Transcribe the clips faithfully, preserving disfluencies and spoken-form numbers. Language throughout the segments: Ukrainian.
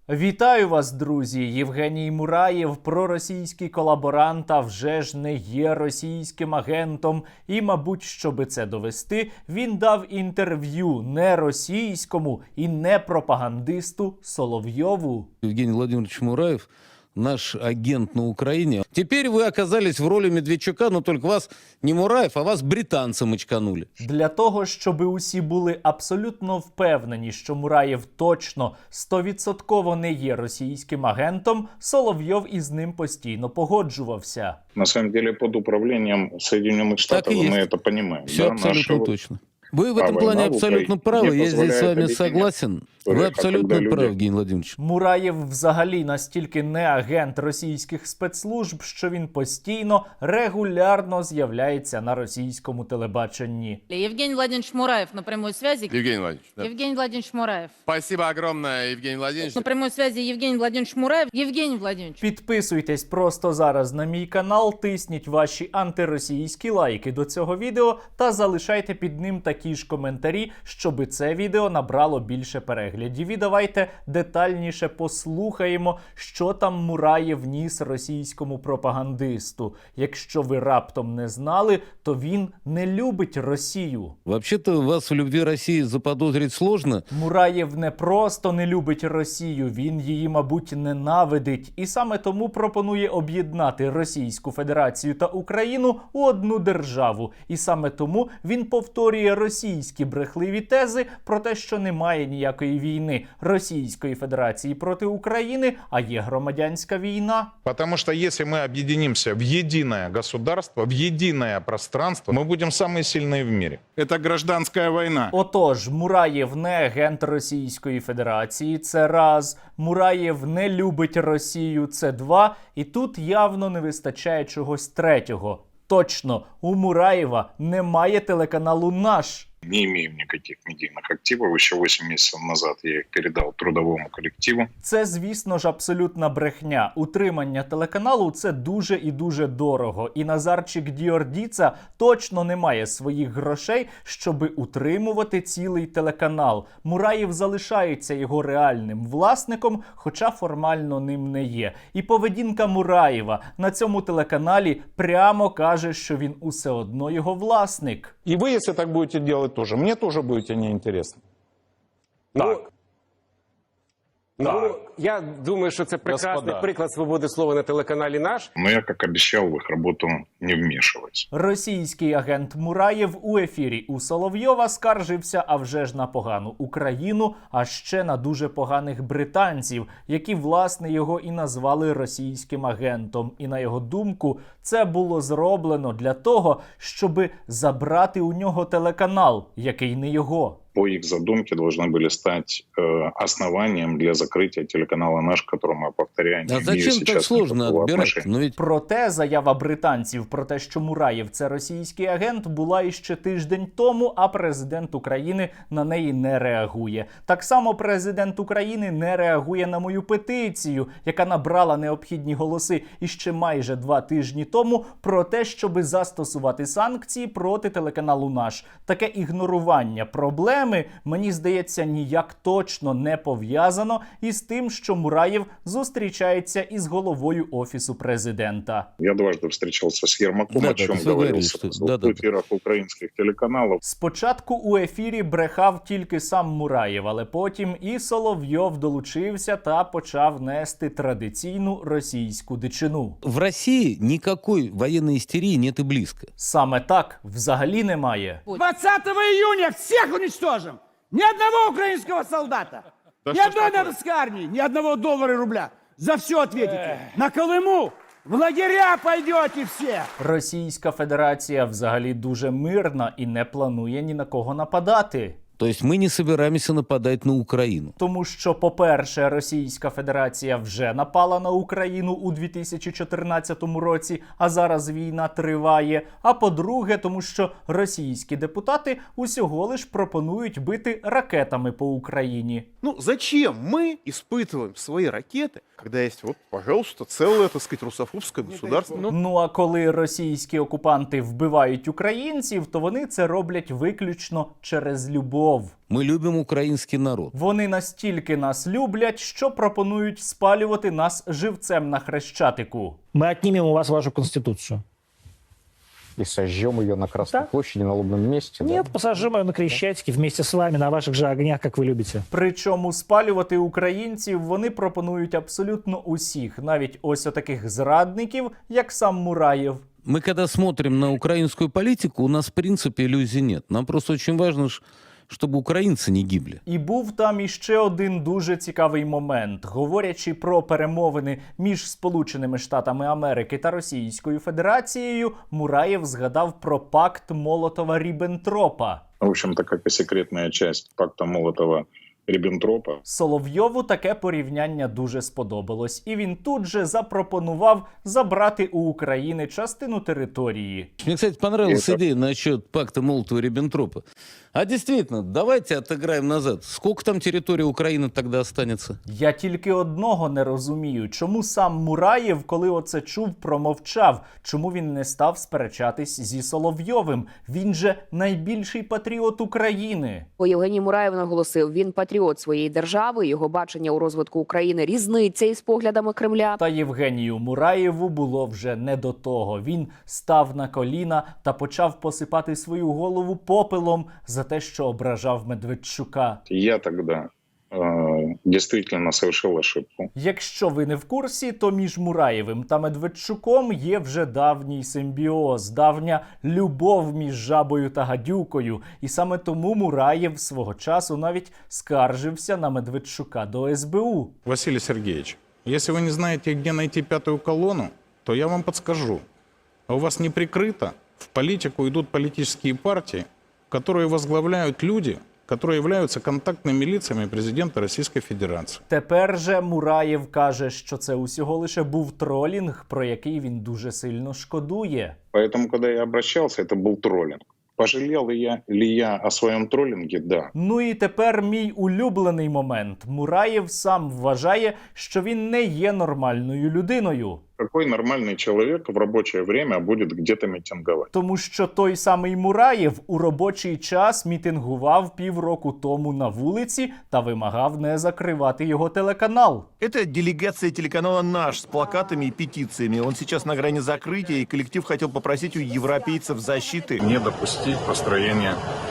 Вітаю вас, друзі! Євгеній Мураєв, проросійський колаборант, а вже ж не є російським агентом. І, мабуть, щоби це довести, він дав інтерв'ю не російському і не пропагандисту Соловйову. Евгений Владимирович Мураев, наш агент на Украине. Теперь вы оказались в роли Медведчука, но только вас не Мураев, а вас британцы мочканули. Для того, щоб усі були абсолютно впевнені, що Мураєв точно стовідсотково не є російським агентом, Соловйов із ним постійно погоджувався. На самом деле под управлением Соединенных Штатов мы это понимаем. Все да, абсолютно наши... точно. Вы в этом плане абсолютно правы, я здесь с вами согласен. Вы абсолютно правы, Евгений Владимирович. Мураєв взагалі настільки не агент російських спецслужб, що він постійно, регулярно з'являється на російському телебаченні. Евгений Владимирович Мураев на прямой связи. Евгений Владимирович. Да. Евгений Владимирович Мураев. Спасибо огромное, Евгений Владимирович. На прямой связи Евгений Владимирович Мураев. Евгений Владимирович. Підписуйтесь просто зараз на мій канал, тисніть ваші антиросійські лайки до цього відео та залишайте під ним такі ж коментарі, щоби це відео набрало більше переглядів. І давайте детальніше послухаємо, що там Мураєв ніс російському пропагандисту. Якщо ви раптом не знали, то він не любить Росію. Вообще-то вас в любви России заподозрить сложно. Мураєв не просто не любить Росію, він її, мабуть, ненавидить. І саме тому пропонує об'єднати Російську Федерацію та Україну у одну державу. І саме тому він повторює російські брехливі тези про те, що немає ніякої війни Російської Федерації проти України, а є громадянська війна. Потому что если мы объединимся в единое государство, в единое пространство, мы будем самые сильные в мире. Это гражданская война. Отож, Мураєв не агент Російської Федерації, це раз. Мураєв не любить Росію, це два. І тут явно не вистачає чогось третього. Точно, у Мураєва немає телеканалу «Наш». Не имеем никаких медийных активов. Еще восемь месяцев назад я их передал трудовому коллективу. Це, звісно ж, абсолютна брехня. Утримання телеканалу – це дуже і дуже дорого. І Назарчик Діордіца точно не має своїх грошей, щоби утримувати цілий телеканал. Мураєв залишається його реальним власником, хоча формально ним не є. І поведінка Мураєва на цьому телеканалі прямо каже, що він усе одно його власник. И вы, если так будете делать, тоже. Мне тоже будете неинтересно. Так. Ну, я думаю, що це прекрасний Господа. приклад свободи слова на телеканалі «Наш». Но я, как обещал, в их работу не вмешиваюсь. Російський агент Мураєв у ефірі у Соловйова скаржився, а вже ж на погану Україну, а ще на дуже поганих британців, які, власне, його і назвали російським агентом. І, на його думку, це було зроблено для того, щоби забрати у нього телеканал, який не його. По их задумке должны были стать э, основанием для закрытия телеканала «Наш», который, мы повторяем, А не имеет зачем так сейчас сложно никакого отбирать? отношения. Но ведь Проте заява британців про те, що Мураєв – це російський агент, була іще тиждень тому, а президент України на неї не реагує. Так само президент України не реагує на мою петицію, яка набрала необхідні голоси іще майже два тижні тому, про те, щоби застосувати санкції проти телеканалу «Наш». Таке ігнорування проблеми, мені здається, ніяк точно не пов'язано із тим, що Мураєв зустрічається із головою Офісу президента. Я дважды встречался с Ермаком, Да, о да, чем вы говорил говорили, в что- двух да, да, да. эфирах украинских телеканалов. Спочатку у ефірі брехав тільки сам Мураєв, але потім і Соловйов долучився та почав нести традиційну російську дичину. в России никакой военной истерии нет и близко. Саме так взагалі немає. двадцатого июня всех уничтожим! Ни одного украинского солдата! Ни одной нарусской армии! Ни одного доллара и рубля! За все ответите! На Колыму! В лагеря пойдете все! Російська Федерація взагалі дуже мирна і не планує ні на кого нападати. То есть мы не собираемся нападать на Украину. Тому що, по-перше, Російська Федерація вже напала на Україну у дві тисячі чотирнадцятому році, а зараз війна триває. А по-друге, тому що російські депутати усього лиш пропонують бити ракетами по Україні. Ну, зачем мы испытываем свои ракеты, когда есть, вот, пожалуйста, целое, так сказать, русофобское государство? Ну, Ну а коли російські окупанти вбивають українців, то вони це роблять виключно через любов. любов. Мы любим украинский народ. Вони настільки нас люблять, що пропонують спалювати нас живцем на Хрещатику. Мы отнимем у вас вашу конституцию. И сожжем ее на Красной Да. площади, на лобном месте. да? Нет, посажим ее на Крещатике вместе с вами на ваших же огнях, как вы любите. Причому спалювати українців вони пропонують абсолютно усіх, навіть ось отаких зрадників, як сам Мураєв. Мы когда смотрим на украинскую политику, у нас в принципе иллюзий нет. Нам просто очень важно, ш- чтобы украинцы не гибли. І був там іще один дуже цікавий момент. Говорячи про перемовини між Сполученими Штатами Америки та Російською Федерацією, Мураєв згадав про пакт Молотова-Ріббентропа. В общем-то, как и секретная часть пакта Молотова-Риббентропа. Соловйову таке порівняння дуже сподобалось, і він тут же запропонував забрати у України частину території. Мне, кстати, понравилась Это- идея насчет пакта Молотова-Риббентропа. А действительно, давайте отыграем назад. Сколько там территории Украины тогда останется? Я тільки одного не розумію, чому сам Мураєв, коли оце чув, промовчав, чому він не став сперечатись зі Соловйовим. Він же найбільший патріот України. Євгеній Мураєв наголосив, він патріот своєї держави, його бачення у розвитку України різниця із поглядами Кремля. Та Євгенію Мураєву було вже не до того. Він став на коліна та почав посипати свою голову попелом за те, що ображав Медведчука. Я тогда э, действительно совершил ошибку. Якщо ви не в курсі, то між Мураєвим та Медведчуком є вже давній симбіоз, давня любов між жабою та гадюкою. І саме тому Мураєв свого часу навіть скаржився на Медведчука до ес бе у. Василий Сергеевич, если вы не знаете, где найти пятую колонну, то я вам подскажу. А у вас не прикрыто, в политику идут политические партии, которые возглавляют люди, которые являются контактными лицами президента Российской Федерации. Тепер же Мураєв каже, що це усього лише був тролінг, про який він дуже сильно шкодує. Поэтому, когда я обращался, это был троллинг. Пожалел ли я, ли я о своем троллинге? Да. Ну і тепер мій улюблений момент. Мураєв сам вважає, що він не є нормальною людиною. Какой нормальный человек в рабочее время будет где-то митинговать? Тому що той самий Мураєв у робочий час мітингував півроку тому на вулиці та вимагав не закривати його телеканал. Это делегация телеканала «Наш» с плакатами и петициями. Он сейчас на грани закрытия, и коллектив хотел попросить у европейцев защиты. Не допустить построения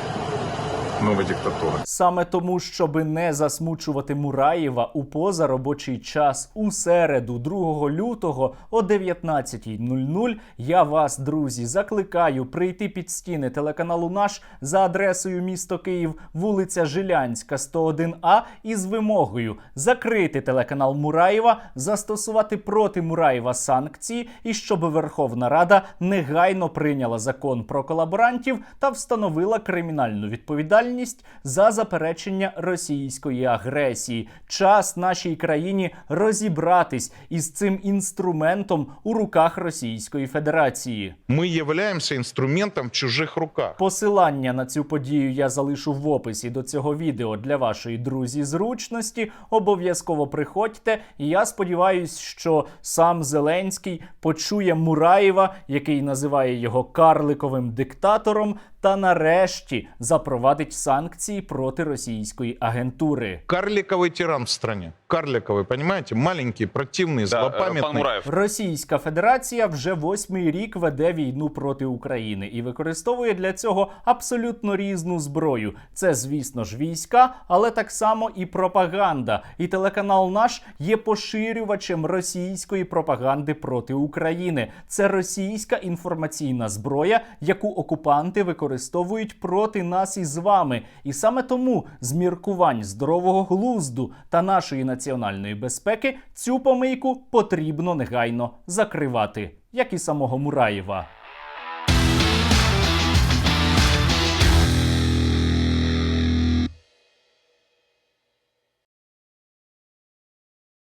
новой диктатуры. Саме тому, щоби не засмучувати Мураєва, у позаробочий час у середу, другого лютого о дев'ятнадцятій нуль нуль я вас, друзі, закликаю прийти під стіни телеканалу «Наш» за адресою місто Київ, вулиця Жилянська, сто один А із вимогою закрити телеканал Мураєва, застосувати проти Мураєва санкції і щоб Верховна Рада негайно прийняла закон про колаборантів та встановила кримінальну відповідальність за заперечення російської агресії. Час нашій країні розібратись із цим інструментом у руках Російської Федерації. Мы являемся инструментом в чужих руках. Посилання на цю подію я залишу в описі до цього відео для вашої, друзі, зручності. Обов'язково приходьте, і я сподіваюся, що сам Зеленський почує Мураєва, який називає його карликовим диктатором, та нарешті запровадить санкції проти російської агентури. Карликовый тиран в стране. Карликовый, понимаете? Маленький, противный, злопамятный. Російська Федерація вже восьмий рік веде війну проти України і використовує для цього абсолютно різну зброю. Це, звісно ж, війська, але так само і пропаганда. І телеканал «Наш» є поширювачем російської пропаганди проти України. Це російська інформаційна зброя, яку окупанти використовують проти нас із вами. І саме тому з міркувань здорового глузду та нашої національної безпеки цю помийку потрібно негайно закривати, як і самого Мураєва.